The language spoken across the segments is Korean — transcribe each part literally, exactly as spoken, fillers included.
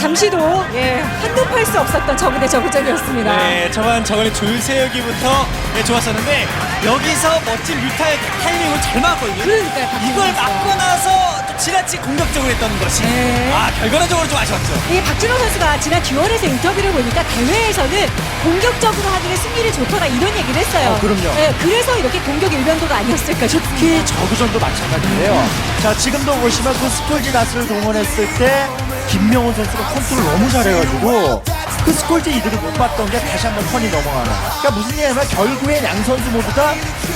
잠시도 예, 한눈 팔 수 없었던 저그 대 저그전이었습니다. 네, 저번 저번에 줄 세우기부터 네, 좋았었는데 여기서 멋진 뮤타의 타이밍을 잘 막았거든요. 그러니까요, 박진영 이걸 선수가. 막고 나서 또 지나치 공격적으로 했던 것이 네. 아 결과적으로 좀 아쉬웠죠. 이 박준호 선수가 지난 듀얼에서 인터뷰를 보니까 대회에서는 공격적으로 하는 게 승리를 좋더라 이런 얘기를 했어요. 어, 그럼요. 네, 그래서 이렇게 공격 일변도가 아니었을까 싶습니다. 특히 저그전도 마찬가지인데요. 자, 지금도 보시면 그 스콜지 나스를 동원했을 때 김명훈 선수가 컨트롤 너무 잘해가지고 그 스콜지 이들이 못 봤던 게 다시 한번 턴이 넘어가는. 그러니까 무슨 얘기냐면 결국엔 양 선수 모두 다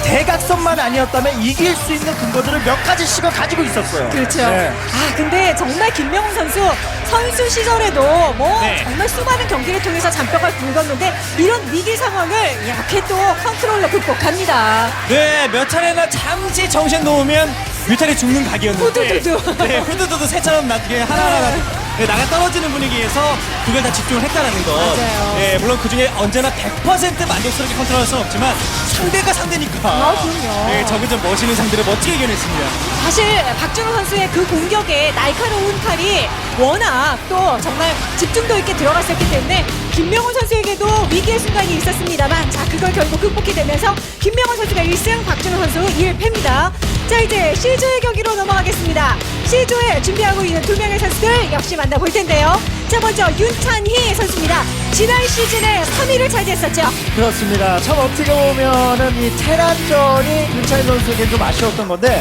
대각선만 아니었다면 이길 수 있는 근거들을 몇 가지씩은 가지고 있었어요. 그렇죠. 네. 아 근데 정말 김명훈 선수 선수 시절에도 뭐 네. 정말 수많은 경기를 통해서 잔뼈가 굵었는데 이런 위기 상황을 이렇게 또 컨트롤로 극복합니다. 네, 몇 차례나 잠시 정신 놓으면 뮤탈이 죽는 각이었는데 후두두두. 네, 후두두두 새처럼 나게 하나하나 네, 나가 떨어지는 분위기에서 그걸 다 집중을 했다라는 거. 맞아요. 네, 물론 그 중에 언제나 백 퍼센트 만족스럽게 컨트롤할 수는 없지만 상대가 상대니까. 아, 그럼요. 네, 저그 좀 멋있는 상대를 멋지게 이겨냈습니다. 사실 박준호 선수의 그 공격에 날카로운 칼이 워낙 또 정말 집중도 있게 들어갔었기 때문에 김명훈 선수에게도 위기의 순간이 있었습니다만 자 그걸 결국 극복이 되면서 김명훈 선수가 일 승, 박준호 선수 일 패입니다. 자 이제 C조의 경기로 넘어가겠습니다. C조에 준비하고 있는 두 명의 선수들 역시 만나볼 텐데요. 자 먼저 윤찬희 선수입니다. 지난 시즌에 삼 위를 차지했었죠. 그렇습니다. 참 어떻게 보면은 이 테란전이 윤찬희 선수에게 좀 아쉬웠던 건데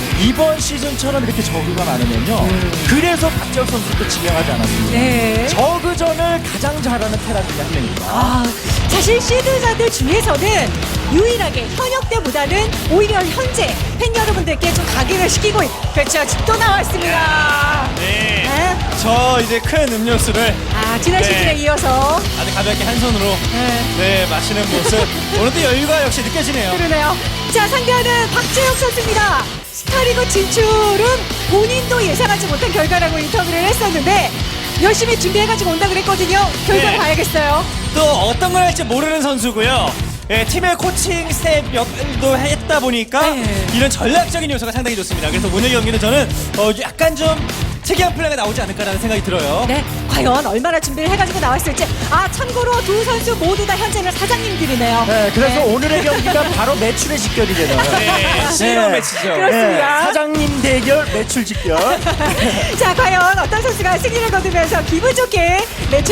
이번 시즌처럼 이렇게 저그가 많으면요. 그래서 박지혁 선수도 지명하지 않았습니다. 네. 저그전을 가장 잘하는 테란 중에 한 명입니다. 아, 사실 시드자들 중에서는 유일하게 현역 때보다는 오히려 현재 팬 여러분들께 좀 각인을 시키고 있... 그렇죠. 또 나왔습니다. 네. 네. 저 이제 큰 음료수를 아, 지난 네. 시즌에 이어서 아주 가볍게 한 손으로 네. 네, 마시는 모습. 오늘도 여유가 역시 느껴지네요. 그러네요. 자, 상대하는 박재혁 선수입니다. 스타리그 진출은 본인도 예상하지 못한 결과라고 인터뷰를 했었는데 열심히 준비해가지고 온다 그랬거든요. 결과 네. 봐야겠어요. 또 어떤 걸 할지 모르는 선수고요. 예, 팀의 코칭 스텝 역할도 했다 보니까 네. 이런 전략적인 요소가 상당히 좋습니다. 그래서 오늘 경기는 저는 어, 약간 좀 특이한 플레이가 나오지 않을까라는 생각이 들어요. 네, 과연 얼마나 준비를 해가지고 나왔을지. 아, 참고로 두 선수 모두 다 현재는 사장님들이네요. 네, 그래서 네. 오늘의 경기가 바로 매출의 직결이 되네요. 네, 시로 매치죠. 그렇습니다. 사장님 대결 매출 직결. 자, 과연 어떤 선수가 승리를 거두면서 기분 좋게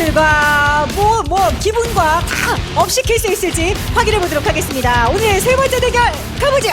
매출과 뭐, 뭐, 기분과 다 업시킬 수 있을지 확인해 보도록 하겠습니다. 오늘의 세 번째 대결 가보죠.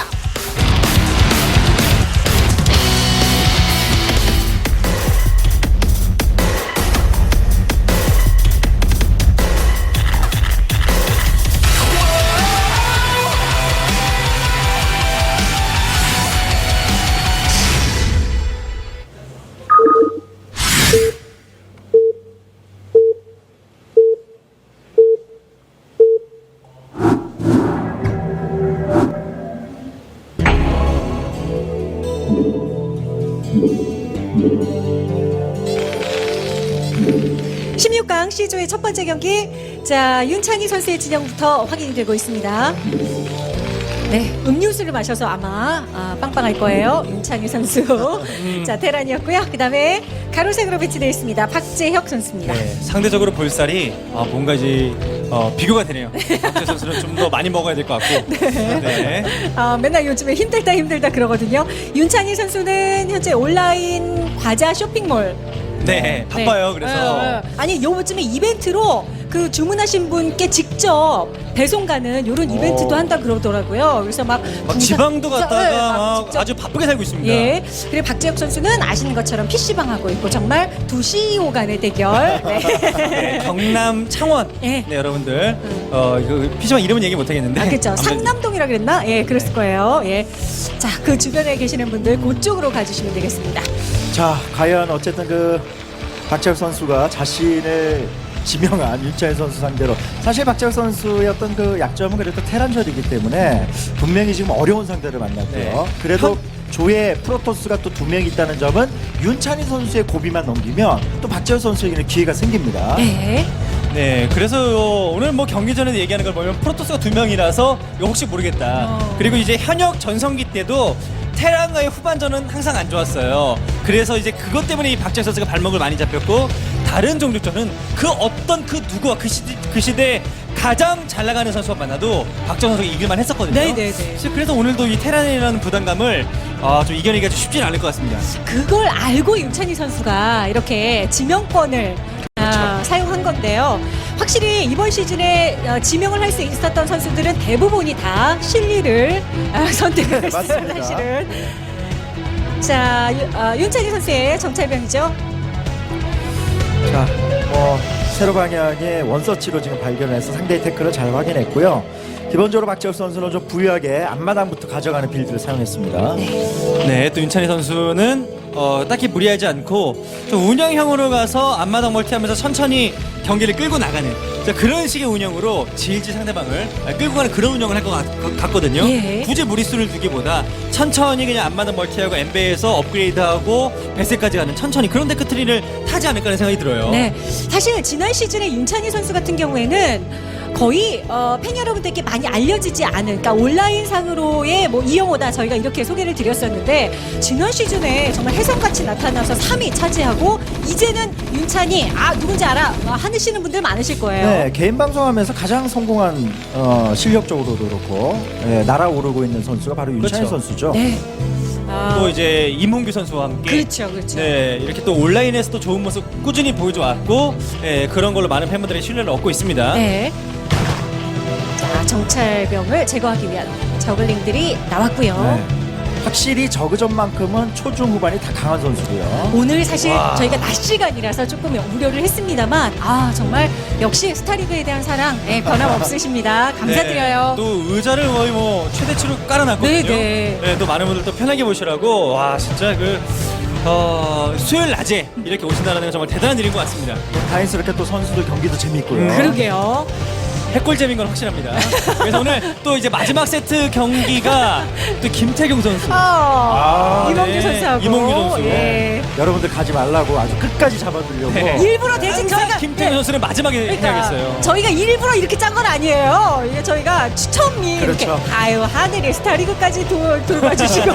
십육 강 C조의 첫 번째 경기. 자, 윤찬희 선수의 진영부터 확인이 되고 있습니다. 네, 음료수를 마셔서 아마 아, 빵빵할 거예요. 윤찬희 선수. 자, 테란이었고요. 그 다음에 가로색으로 배치되어 있습니다. 박재혁 선수입니다. 네, 상대적으로 볼살이 아, 뭔가 이제 어, 비교가 되네요. 박재 선수는 좀 더 많이 먹어야 될 것 같고. 네. 아, 맨날 요즘에 힘들다 힘들다 그러거든요. 윤찬희 선수는 현재 온라인 과자 쇼핑몰. 네, 바빠요. 네. 그래서 어, 어. 아니 요즘에 이벤트로 그 주문하신 분께 직접 배송 가는 이런 이벤트도 한다 그러더라고요. 그래서 막, 막 군사- 지방도 네, 갔다가 막 막 직접- 아주 바쁘게 살고 있습니다. 예. 그리고 박재혁 선수는 아시는 것처럼 피씨방 하고 있고 정말 두 씨이오 간의 대결. 네. 네, 경남 창원. 예. 네, 여러분들. 어, 이거 피시방 이름은 얘기 못 하겠는데. 아, 그렇죠. 아무튼 상남동이라 그랬나? 예, 그랬을 거예요. 예. 자, 그 주변에 계시는 분들 그쪽으로 가주시면 되겠습니다. 자, 과연 어쨌든 그 박재혁 선수가 자신을 지명한 윤찬희 선수 상대로 사실 박재혁 선수의 어떤 그 약점은 그래도 테란전이기 때문에 분명히 지금 어려운 상대를 만났고요. 네. 그래도 조에 프로토스가 또 두 명 있다는 점은 윤찬희 선수의 고비만 넘기면 또 박재혁 선수에게는 기회가 생깁니다. 네. 네, 그래서 오늘 뭐 경기 전에 얘기하는 걸 보면 프로토스가 두 명이라서 이거 혹시 모르겠다. 어. 그리고 이제 현역 전성기 때도 테란과의 후반전은 항상 안 좋았어요. 그래서 이제 그것 때문에 이 박재혁 선수가 발목을 많이 잡혔고 다른 종족전은 그 어떤 그 누구와 그 시대 그 시대에 가장 잘 나가는 선수와 만나도 박정 선수가 이길만 했었거든요. 네네네. 그래서 그래서 오늘도 이 테란이라는 부담감을 아, 좀 이겨내기가 좀 쉽지는 않을 것 같습니다. 그걸 알고 윤찬희 선수가 이렇게 지명권을 아, 사용한 건데요. 확실히 이번 시즌에 어, 지명을 할 수 있었던 선수들은 대부분이 다 실리를 아, 선택을 했어요. 맞습니다. 사실은. 자, 유- 어, 윤찬희 선수의 정찰병이죠. 자, 뭐 세로 방향의 원서치로 지금 발견해서 상대의 태클을 잘 확인했고요. 기본적으로 박재혁 선수는 좀 부유하게 앞마당부터 가져가는 빌드를 사용했습니다. 네, 또 윤찬희 선수는 어, 딱히 무리하지 않고 좀 운영형으로 가서 앞마당 멀티하면서 천천히 경기를 끌고 나가는 자, 그런 식의 운영으로 질질 상대방을 아, 끌고 가는 그런 운영을 할 것 같거든요. 예. 굳이 무리수를 두기보다 천천히 그냥 앞마당 멀티하고 엠베에서 업그레이드하고 배스까지 가는 천천히 그런 데크트리를 타지 않을까 하는 생각이 들어요. 네, 사실 지난 시즌에 윤찬희 선수 같은 경우에는 거의 어, 팬 여러분들께 많이 알려지지 않은, 그러니까 온라인상으로의 뭐 이영호다 저희가 이렇게 소개를 드렸었는데 지난 시즌에 정말 혜성같이 나타나서 삼 위 차지하고 이제는 윤찬희 아 누군지 알아 어, 하시는 분들 많으실 거예요. 네, 개인 방송하면서 가장 성공한 어, 실력적으로도 그렇고 예, 날아오르고 있는 선수가 바로 윤찬희 그렇죠. 선수죠. 네. 아, 또 이제 이문규 선수와 함께 그렇죠, 그렇죠. 네, 이렇게 또 온라인에서도 좋은 모습 꾸준히 보여줘 왔고 예, 그런 걸로 많은 팬분들의 신뢰를 얻고 있습니다. 네. 자, 정찰병을 제거하기 위한 저글링들이 나왔고요. 네. 확실히 저그전만큼은 초중 후반이 다 강한 선수고요. 오늘 사실 와. 저희가 낮 시간이라서 조금 우려를 했습니다만 아 정말 역시 스타리그에 대한 사랑 네, 변함없으십니다. 감사드려요. 네, 또 의자를 거의 뭐 최대치로 깔아놨거든요. 네, 네. 또 많은 분들 또 편하게 보시라고 와 진짜 그 어, 수요일 낮에 이렇게 오신다는 건 정말 대단한 일인 것 같습니다. 다행스럽게 또 선수들 경기도 재밌고요. 음, 그러게요. 핵골잼인 건 확실합니다. 그래서 오늘 또 이제 마지막 세트 경기가 또 김태경 선수. 아, 이몽규 네. 선수하고 이몽규 선수. 예. 여러분들 가지 말라고 아주 끝까지 잡아두려고. 네. 일부러 대신 항상 저희가 김태경 네. 선수는 마지막에 그러니까 해야겠어요. 저희가 일부러 이렇게 짠 건 아니에요. 이게 저희가 추첨이 그렇죠. 이렇게 아유 하늘이 스타리그까지 돌, 돌봐주시고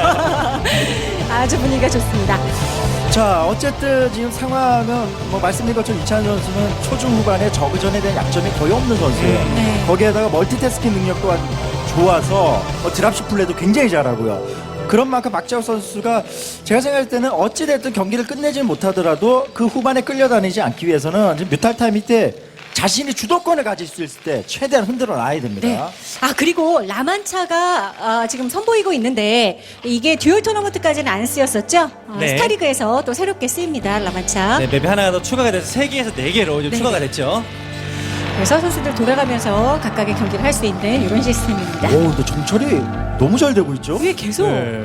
아주 분위기가 좋습니다. 자, 어쨌든 지금 상황은 뭐 말씀드린 것처럼 이찬 선수는 초중 후반에 저그전에 대한 약점이 거의 없는 선수예요. 음. 네. 거기에다가 멀티태스킹 능력 또한 좋아서 뭐 드랍십 플레이도 굉장히 잘하고요. 그런 만큼 박재혁 선수가 제가 생각할 때는 어찌됐든 경기를 끝내지 못하더라도 그 후반에 끌려다니지 않기 위해서는 지금 뮤탈 타임 때 자신이 주도권을 가질 수 있을 때 최대한 흔들어 놔야 됩니다. 네. 아 그리고 라만차가 아, 지금 선보이고 있는데 이게 듀얼 토너먼트까지는 안 쓰였었죠. 어, 네. 스타리그에서 또 새롭게 쓰입니다. 라만차. 네, 맵이 하나가 더 추가가 돼서 세 개에서 네 개로 이제 네. 추가가 됐죠. 그래서 선수들 돌아가면서 각각의 경기를 할 수 있는 이런 시스템입니다. 오, 근데 정찰이 너무 잘 되고 있죠? 왜 계속 네.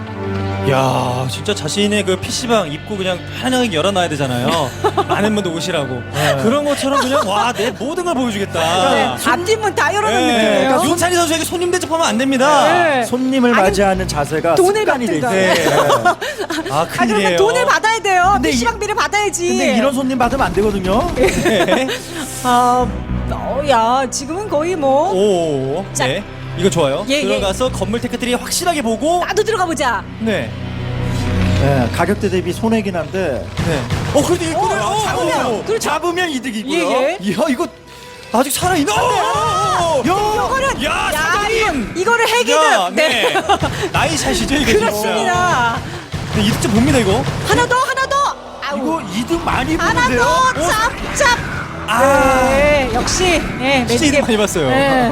야, 진짜 자신의 그 피시방 입구 그냥 편하게 열어놔야 되잖아요. 많은 분들 오시라고. 그런 것처럼 그냥 와, 내 모든 걸 보여주겠다. 네, 앞뒷문 다 열어놓은 네, 느낌이에요. 그러니까 윤찬희 선수에게 손님 대접하면 안 됩니다. 네. 손님을 아니, 맞이하는 자세가 돈을 습관이 돼 받든가. 있어요. 아, 아 그러면 큰일이에요. 돈을 받아야 돼요. 근데 이- 피시방비를 받아야지. 근데 이런 손님 받으면 안 되거든요. 네. 아, 어, 야 지금은 거의 뭐 오, 자. 네. 이거 좋아요. 예, 예. 들어가서 건물 테크트리 확실하게 보고. 나도 들어가 보자. 네. 네, 가격대 대비 손해긴 한데 네. 어, 그래도 일꾼을 어, 잡으면, 그렇죠. 잡으면 이득이고요. 예, 예. 이야, 이거 아직 살아있나? 야, 이거는 야, 야, 사장님. 이거, 이거를 핵이든 야, 네. 네. 나이샷이죠, 이게 그렇습니다. 진짜. 네, 이득 좀 봅니다, 이거. 하나 더 하나 더. 아우. 이거 이득 많이 하나 보는데요. 더 짭짭. 아. 네, 역시 네, 진짜 이득 많이 봤어요. 네.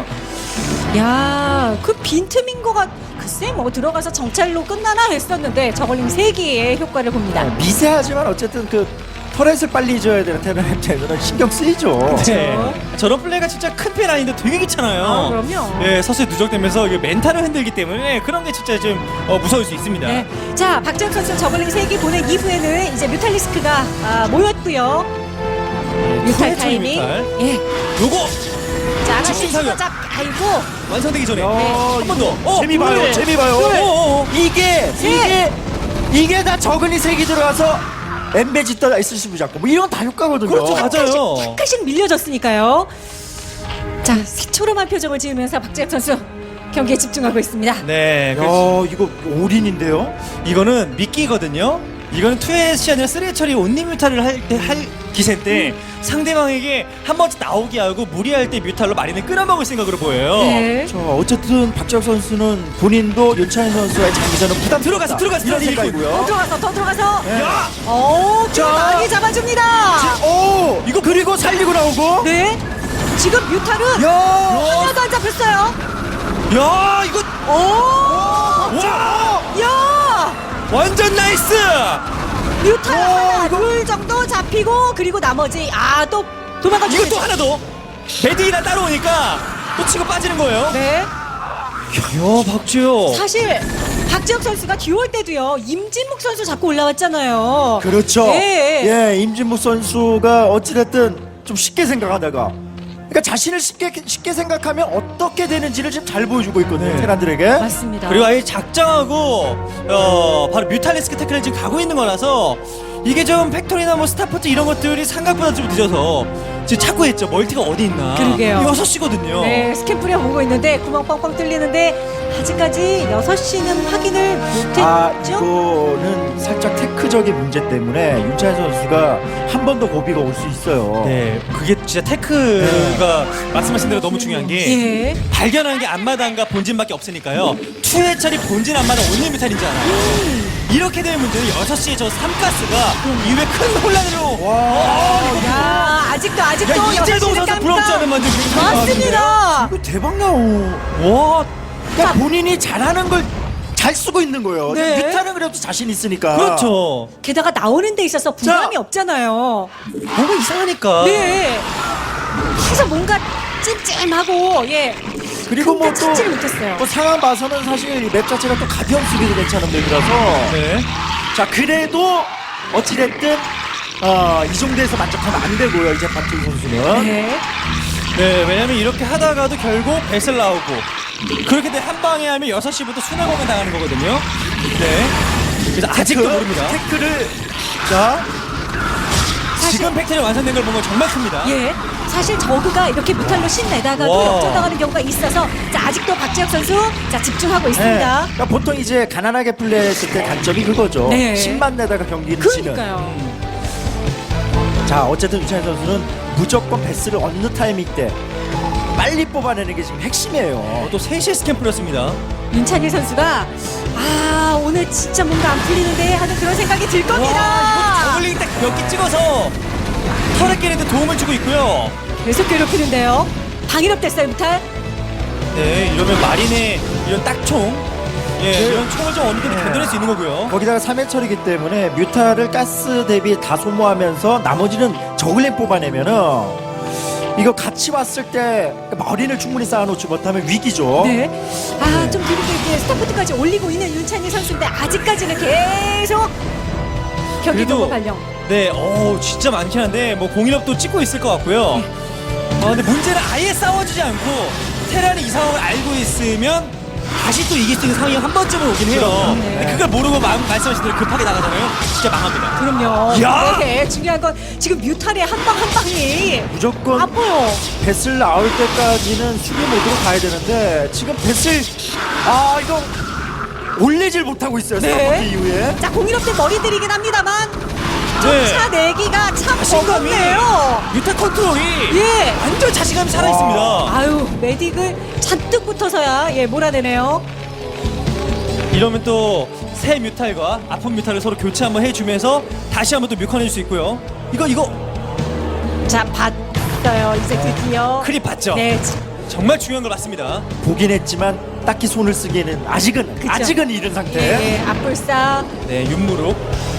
야, 그 빈틈인 거 같. 글쎄 뭐 들어가서 정찰로 끝나나 했었는데 저걸링 세 개의 효과를 봅니다. 네, 미세하지만 어쨌든 그 터렛을 빨리 줘야 되는 테너한테는 신경 쓰이죠. 네. 저런 플레이가 진짜 큰 편 아닌데 되게 귀찮아요. 아, 그럼요. 예, 서서히 누적되면서 이게 멘탈을 흔들기 때문에 그런 게 진짜 좀 어, 무서울 수 있습니다. 네. 자, 박정 선수 저글링 세 개 보낸 이후에는 이제 뮤탈리스크가 아, 모였고요. 뮤탈 후회 타이밍. 뮤탈. 예. 요거 자, 하나씩 집중 사격. 잡. 아이고. 완성되기 전에 야, 한 번 더. 어, 재미 봐요, 둘, 재미 봐요. 둘. 어, 어, 어. 이게 셋. 이게 이게 다 저근이 색이 들어가서 엠베지 떠 에스씨브 잡고 뭐 이런 거 다 효과거든요. 그렇죠, 맞아요. 탁하씩 밀려졌으니까요. 자, 새초롬한 표정을 지으면서 박재혁 선수 경기에 집중하고 있습니다. 네, 야, 그, 이거 올인인데요. 이거는 미끼거든요. 이거는 투엣이 아니라 쓰리처리 온리 뮤탈을 할 때 할 기세인데 상대방에게 한 번쯤 나오게 하고 무리할 때 뮤탈로 마린을 끌어먹을 생각으로 보여요. 네. 자, 어쨌든 박지혁 선수는 본인도 윤찬희 선수의 장기전은 부담 들어가서, 들어가서, 이런 들어가서 더 생각이고요. 들어가서 더 들어가서. 네. 야! 오, 자. 많이 잡아줍니다. 오, 이거 그리고 살리고 나오고. 네. 지금 뮤탈은 야, 하나도 안 잡혔어요. 야 이거 오, 와 야, 완전 나이스. 뮤탈 오, 하나, 이거- 둘 정도 잡히고 그리고 나머지 아 또 도망가. 이거 또 하나 더. 메디나 따라오니까 또 치고 빠지는 거예요. 네. 야 박지호. 사실 박지혁 선수가 듀얼 때도요 임진묵 선수 잡고 올라왔잖아요. 그렇죠. 네. 예, 임진묵 선수가 어찌됐든 좀 쉽게 생각하다가, 그러니까 자신을 쉽게 쉽게 생각하면 어떻게 되는지를 지금 잘 보여주고 있거든요. 네. 테란들에게. 맞습니다. 그리고 아예 작정하고 어 바로 뮤탈리스크 태클을 지금 가고 있는 거라서 이게 좀 팩토리나 뭐 스타포트 이런 것들이 생각보다 좀 늦어서 지금 찾고 있죠. 멀티가 어디 있나. 그러게요. 여섯 시거든요. 네, 스캔 뿌려 보고 있는데 구멍 뻥뻥 뚫리는데 아직까지 여섯 시는 확인을 아, 못했죠? 이거는 살짝 테크적인 문제 때문에 윤찬희 선수가 한 번 더 고비가 올 수 있어요. 네, 그게 진짜 테크가 말씀하신 대로 너무 중요한 게 예. 발견하는 게 앞마당과 본진밖에 없으니까요. 투회철이 본진 앞마당 온리 뮤탈이잖아요. 이렇게 되는 문제는 여섯 시에 저 삼가스가 이후에 큰 혼란으로 와, 야, 아직도 아직도 야, 이재동 여섯 시는 선수 깜깜. 부럽지 않은 만큼 맞습니다. 이거 대박 나오. 와, 그러니까 본인이 잘하는 걸 잘 쓰고 있는 거예요. 네. 뮤타는 그래도 자신 있으니까. 그렇죠. 게다가 나오는 데 있어서 부담이 자. 없잖아요. 뭔가 이상하니까. 네. 그래서 뭔가 찜찜하고 예. 그리고 뭐 근데 또 찾지를 못했어요. 뭐 상황 봐서는 사실 이 맵 자체가 또 가디언 수비도 괜찮은 맵이라서. 네. 자, 그래도 어찌됐든 어, 이 정도에서 만족하면 안 되고요. 이제 박지훈 선수는. 네. 네, 왜냐면 이렇게 하다가도 결국 배슬 나오고 그렇게 돼 한 방에 하면 여섯 시부터 순환공연 당하는 거거든요. 네. 그래서 아직도 테크, 모릅니다. 태클을 자, 지금 팩트리 완성된 걸 보면 정말 큽니다. 예. 사실 저그가 이렇게 무탈로 신내다가도 와. 역전당하는 경우가 있어서 자 아직도 박지혁 선수 자 집중하고 네. 있습니다. 그러니까 보통 이제 가난하게 플레이했을 때 단점이 그거죠. 네. 십만 내다가 경기를 치는. 그러니까요. 자, 어쨌든 윤찬희 선수는 무조건 베스를 어느 타이밍 때 빨리 뽑아내는 게 지금 핵심이에요. 어, 또 세 시에 스캔 뿌렸습니다. 윤찬희 선수가 아 오늘 진짜 뭔가 안 풀리는데 하는 그런 생각이 들 와, 겁니다. 이거 저글링 딱 몇 개 찍어서 터렛끼리도 도움을 주고 있고요. 계속 괴롭히는데요. 방위력 됐어요 무탈. 네, 이러면 마린의 이런 딱총, 예, 네. 이런 총을 좀 어느 정도 네. 견뎌낼 수 있는 거고요. 거기다가 삼 회 처리기 때문에 뮤타를 가스 대비 다 소모하면서 나머지는 저글링 뽑아내면은 이거 같이 왔을 때 머리를 충분히 쌓아놓지 못하면 위기죠. 네. 아 네. 좀 그리고 이렇게 스타포트까지 올리고 있는 윤찬희 선수인데 아직까지는 계속 경기 그래도- 도구 발령. 네, 어 진짜 많긴 한데 뭐 공인업도 찍고 있을 것 같고요. 아 근데 문제는 아예 싸워주지 않고 테란이 이 상황을 알고 있으면 다시 또 이길 수 있는 상황이 한 번쯤은 오긴 해요. 네. 근데 그걸 모르고 마, 말씀하신 대로 급하게 나가잖아요. 진짜 망합니다. 그럼요. 야! 네, 중요한 건 지금 뮤탈의 한 방 한 방이 무조건 아파요. 베슬 나올 때까지는 수비 모드로 가야 되는데 지금 베슬 아 이거 올리질 못하고 있어요. 네. 스타포트 이후에. 자 공일업대 머리 들이긴 합니다만 네. 쫓아 내기가 참 자신감이 버겁네요. 유타 컨트롤이 예. 완전 자신감이 살아 있습니다. 아유 메딕을 잔뜩 붙어서야 예 몰아내네요. 이러면 또 새 뮤탈과 아픈 뮤탈을 서로 교체 한번 해주면서 다시 한번 또 뮤컨해줄 수 있고요. 이거 이거 자 봤어요 이제 드디어. 크립 봤죠? 네. 정말 중요한 걸 봤습니다. 보긴 보긴 했지만 딱히 손을 쓰기에는 아직은 그쵸. 아직은 이른 상태. 예, 예, 앞불사. 네, 윤무룩.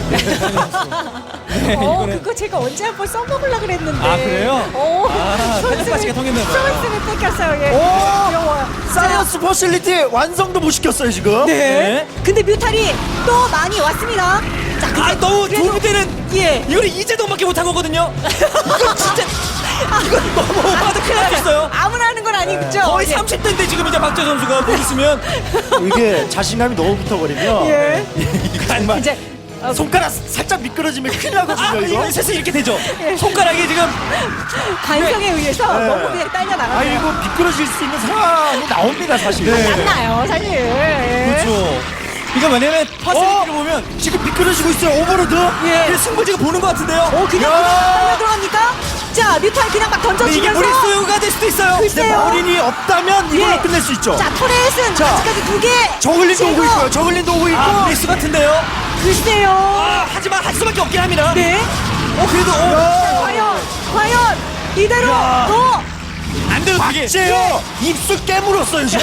네, 어, 이거는 그거 제가 언제 한번 써먹으려고 그랬는데. 아, 그래요? 오, 아, 텔레파시가 통했나 봐요. 손을 뺏겼어요. 예. 오! 귀여워요. 사이언스 퍼실리티 완성도 못 시켰어요 지금. 네. 네. 근데 뮤탈이 또 많이 왔습니다. 자, 근데 아, 너무 그래도- 도움이 되는. 예. 이거는 이재동밖에 못한 거거든요. 이거 진짜 이거 너무 오빠도 큰일 났어요. 아무나 하는 건 아니죠. 거의 예. 삼십 대인데 지금 이제 박재 선수가 못 있으면 이게 자신감이 너무 붙어버리면 예. 정말 이제 어, 손가락 살짝 미끄러지면 큰일 나거든요. 아, 이거. 이거 세상 이렇게 되죠. 손가락이 지금 관성에 의해서 네. 너무 그냥 딸려 아 나가요. 이거 미끄러질 수 있는 상황이 나옵니다 사실. 안 나요, 사실. 예. 그렇죠. 이거 왜냐면 퍼센트를 어? 보면 지금 미끄러지고 있어요. 오버로드. 예. 그 승부지가 보는 것 같은데요. 어 그냥 야. 그냥 들어갑니까? 자 뮤탈 그냥 막 근데 이게 던져주면서 무리 소요가 될 수도 있어요. 근데 글쎄요. 머린이 없다면 이걸로 예. 끝낼 수 있죠. 자 터렛은 자, 아직까지 두개 저글린도 오고 있고요. 저글린도 오고 있고. 아, 브레이스 같은데요. 글쎄요. 아, 하지만 할 수밖에 없긴 합니다. 네. 어, 그래도 어, 야. 과연 과연 이대로 야. 또 안 돼도 되게. 박재요. 입술 깨물었어요 지금.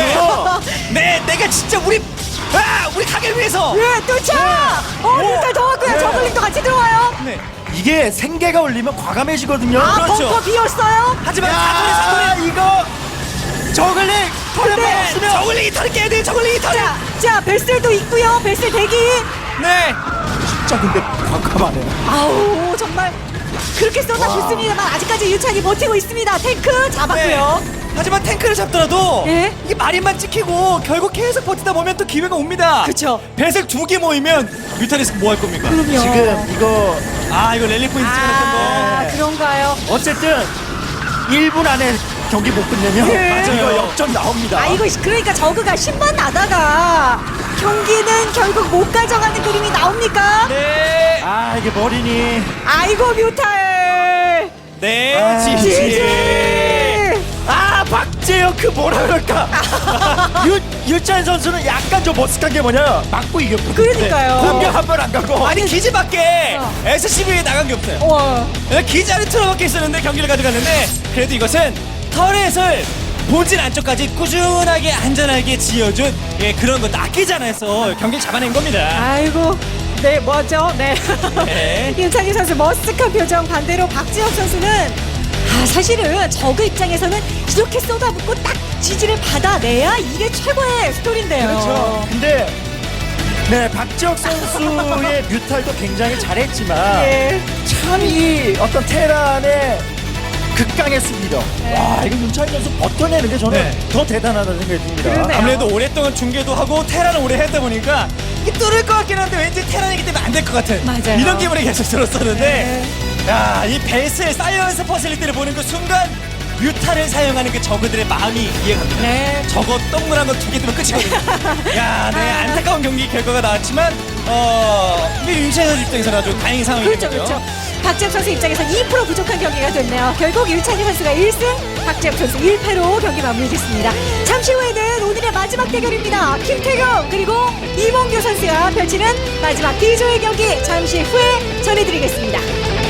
네, 내가 진짜 우리 아, 우리 가게를 위해서. 예, 뚫자! 어, 뮤탈 더 왔고요. 네. 저글링도 같이 들어와요. 네. 이게 생계가 올리면 과감해지거든요. 아, 그렇죠. 벙커 비었어요. 하지만 야, 사거리 사거리 이거 저글링 털면 근데 없으면 저글링이 털을 깨야 돼요. 저글링이 털을. 자, 자, 벨셀도 있고요. 벨셀 대기. 네. 진짜 근데 과감하네요. 아우, 정말 그렇게 쏟아붓습니다만 아직까지 유찬이 버티고 있습니다. 탱크 잡았고요. 네. 하지만 탱크를 잡더라도 예? 이게 마린만 찍히고 결국 계속 버티다 보면 또 기회가 옵니다. 그쵸. 배색 두 개 모이면 뮤타리스 뭐 할 겁니까? 그럼요. 지금 이거 아, 이거 랠리 포인트 찍어낼 아, 텐데. 그런가요? 어쨌든 일 분 안에 경기 못 끝내면 예. 이거 맞아요. 역전 나옵니다. 아, 이거 그러니까 저그가 신만 나다가 경기는 결국 못 가져가는 그림이 나옵니까? 네. 아 이게 머리니 아이고, 뮤탈. 네. 아, 지지. 지지. 아 박재영 그 뭐라 그럴까 유, 유찬 선수는 약간 좀 머쓱한 게 뭐냐 막고 이겼거든요. 그러니까요. 공격 한 번 안 가고 아니 기지밖에 어. 에스씨비에 나간 게 없어요. 와. 기지 안에 틀어박혀 있었는데 경기를 가져갔는데 그래도 이것은 터렛을 본진 안쪽까지 꾸준하게 안전하게 지어준 예, 그런 것도 아끼지 않아서 경기를 잡아낸 겁니다. 아이고. 네, 뭐죠? 네. 네. 윤창희 선수 머쓱한 표정. 반대로 박지혁 선수는 아, 사실은 저그 입장에서는 이렇게 쏟아붓고 딱 지지를 받아내야 이게 최고의 스토리인데요. 그렇죠. 근데 네 박지혁 선수의 뮤탈도 굉장히 잘했지만 예. 참 이 어떤 테란의 극강의 수비력. 네. 와 이거 윤찬희 선수 버텨내는 게 저는 네. 더 대단하다는 생각이 듭니다. 그러네요. 아무래도 오랫동안 중계도 하고 테란을 오래 했다 보니까 이게 뚫을 것 같긴 한데 왠지 테란이기 때문에 안 될 것 같은 맞아요. 이런 기분이 계속 들었었는데 네. 야, 이 베이스의 사이언스 퍼실리티를 보는 그 순간 뮤타를 사용하는 그 저그들의 마음이 이해갑니다. 네. 저거 동그란 거 두 개 뜨면 끝이거든요. 야, 네, 안타까운 경기 결과가 나왔지만 어, 우리 윤찬희 선수 입장에서는 아주 다행인 상황이거든요. 그렇죠, 그렇죠. 박지혁 선수 입장에서 이 퍼센트 부족한 경기가 됐네요. 결국 윤찬희 선수가 일 승, 박지혁 선수 일 패로 경기 마무리됐습니다. 잠시 후에는 오늘의 마지막 대결입니다. 김태경 그리고 이몽규 선수가 펼치는 마지막 D조의 경기 잠시 후에 전해드리겠습니다.